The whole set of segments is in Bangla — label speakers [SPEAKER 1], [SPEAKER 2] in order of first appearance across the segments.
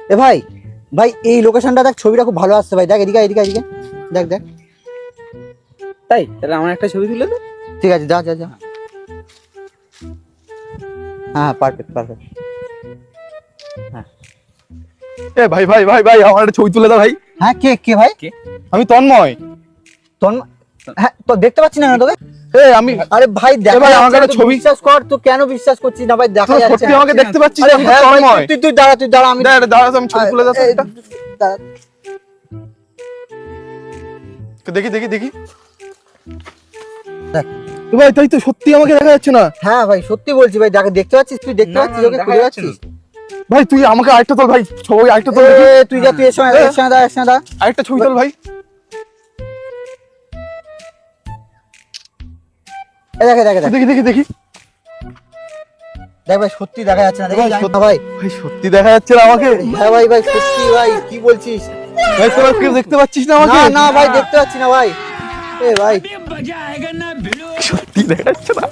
[SPEAKER 1] এ ভাই ভাই এই লোকেশনটা দেখ, ছবিটা খুব ভালো আসছে ভাই। দেখ এদিকে এদিকে এদিকে, দেখ দেখ।
[SPEAKER 2] তাই তাহলে আমার একটা ছবি তুলে দে।
[SPEAKER 1] ঠিক আছে, যা যা যা। হ্যাঁ পারফেক্ট পারফেক্ট।
[SPEAKER 3] এ ভাই ভাই ভাই ভাই আমার একটা ছবি তুলে দাও ভাই।
[SPEAKER 1] হ্যাঁ কে কে ভাই?
[SPEAKER 3] আমি তন্ময়।
[SPEAKER 1] হ্যাঁ তো দেখতে পাচ্ছি না কেন তোকে?
[SPEAKER 3] আমি
[SPEAKER 1] আরে ভাই দেখ
[SPEAKER 3] ভাই আমাকে একটা ছবি
[SPEAKER 1] বিশ্বাস কর। তো কেন বিশ্বাস করছিস না ভাই? দেখা যাচ্ছে
[SPEAKER 3] সত্যি আমাকে দেখতে পাচ্ছিস?
[SPEAKER 1] আরে
[SPEAKER 3] আমি
[SPEAKER 1] হ্যাঁ ভাই,
[SPEAKER 3] তন্ময়।
[SPEAKER 1] তুই তুই দাঁড়া, তুই দাঁড়া, আমি
[SPEAKER 3] দাঁড়া আমি ছবি তুলে দাও তো একটা।
[SPEAKER 1] দাঁড়া।
[SPEAKER 3] দেখি দেখি দেখি।
[SPEAKER 1] দেখ
[SPEAKER 3] ভাই তাই তো, সত্যি আমাকে দেখা যাচ্ছে না।
[SPEAKER 1] হ্যাঁ ভাই সত্যি বলছি ভাই, দেখতে পাচ্ছিস? তুই দেখতে পাচ্ছিস? ওকে খুঁজে পাচ্ছিস?
[SPEAKER 3] ভাই তুই আমাকে আরেকটা তোল ভাই, ছবি আরেকটা তোল দেখি।
[SPEAKER 1] তুই যা, তুই এর সঙ্গে দাঁড়া, এর সঙ্গে দাঁড়া।
[SPEAKER 3] আরেকটা ছবি তোল ভাই।
[SPEAKER 1] দেখে দেখে দেখ
[SPEAKER 3] দেখি দেখি দেখি।
[SPEAKER 1] দেখ ভাই সত্যি দেখা যাচ্ছে না, দেখি
[SPEAKER 3] ভাই,
[SPEAKER 1] জানি না ভাই।
[SPEAKER 3] ভাই সত্যি দেখা যাচ্ছে না আমাকে।
[SPEAKER 1] হ্যাঁ ভাই ভাই সত্যি ভাই, কি বলছিস?
[SPEAKER 3] ভাই তোরা কেউ দেখতে পাচ্ছিস না আমাকে?
[SPEAKER 1] না না ভাই দেখতে পাচ্ছি না ভাই। এ ভাই
[SPEAKER 3] সত্যি দেখা যাচ্ছে না,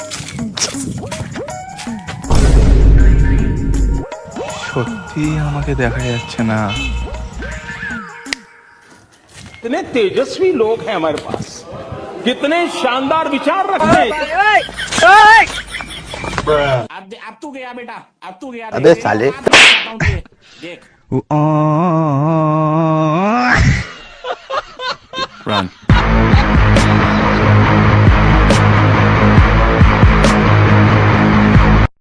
[SPEAKER 3] সত্যি আমাকে দেখা যাচ্ছে না।
[SPEAKER 4] कितने तेजस्वी लोग हैं हमारे पास, कितने शानदार विचार रखते हैं। अब तू गया बेटा, अब तू गया।
[SPEAKER 3] अबे साले।
[SPEAKER 4] देख
[SPEAKER 3] Run.